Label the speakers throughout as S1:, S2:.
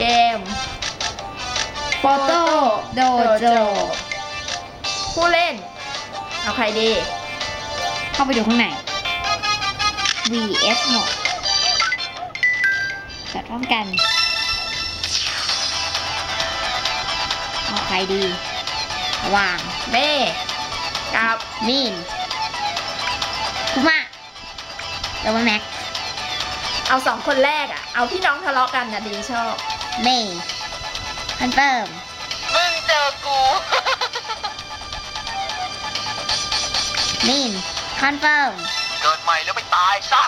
S1: กม
S2: โฟโต้โดโจ
S1: ผู้เล่นเอาใครดี
S2: เข้าไปดูข้างใน VS หมดจัดพร้อมกันเอาใครดีระหว่าง
S1: เม่กับ
S2: มีนคุมะแล้วว่าแม็ก
S1: เอาสองคนแรกอะเอาพี่น้องทะเลาะกันนะดีชอบ
S2: เมย์คอนเฟิร์ม
S3: มึงเจอกู
S2: มีนคอนเฟิร์ม
S3: เกิดใหม่แล้วไปตายซะ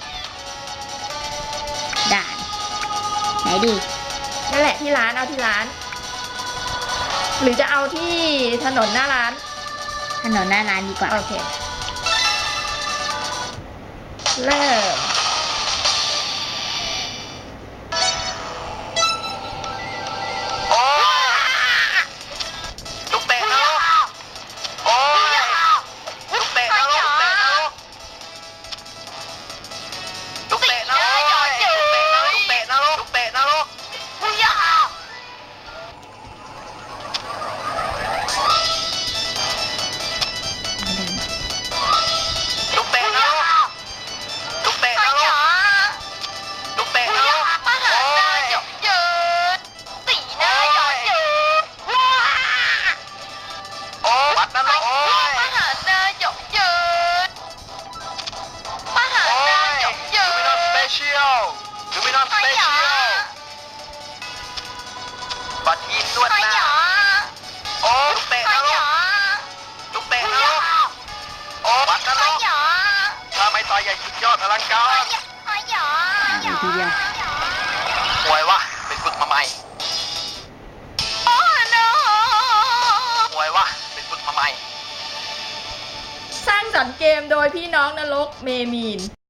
S2: ด่านไหนดี
S1: นั่นแหละที่ร้านเอาที่ร้าน หรือจะเอาที่ถนนหน้าร้าน
S2: ถนนหน้าร้านดีกว่า
S1: โอเค เริ่ม
S3: โอ้ยลูกเตะนะลูกโอ้ยลูกเตะนะลูกลูกเตะนะลูกลูกเตะนะลูกลูกเตะนะลูกลูกเตะนะลูกลูกเตะนะลูกลูกเตะนะลูกโอ้ยโอ้วัดนะลูกโอ้ยโอ้ยลูมินอนสเปเชียลบัตรอินนวดหน้าโอ้ลูกเตะนะลูกลูกเตะนะลูกโอ้วัดนะลูกถ้าไม่ต่อยใหญ่สุดยอดอลังการ
S2: ดูทีเดียว
S3: ห่วยวะไปฝึกมาใหม่ห่วยวะไปฝึกมาใหม่
S1: สร้างสรรค์เกมโดยพี่น้องนรกเมมีน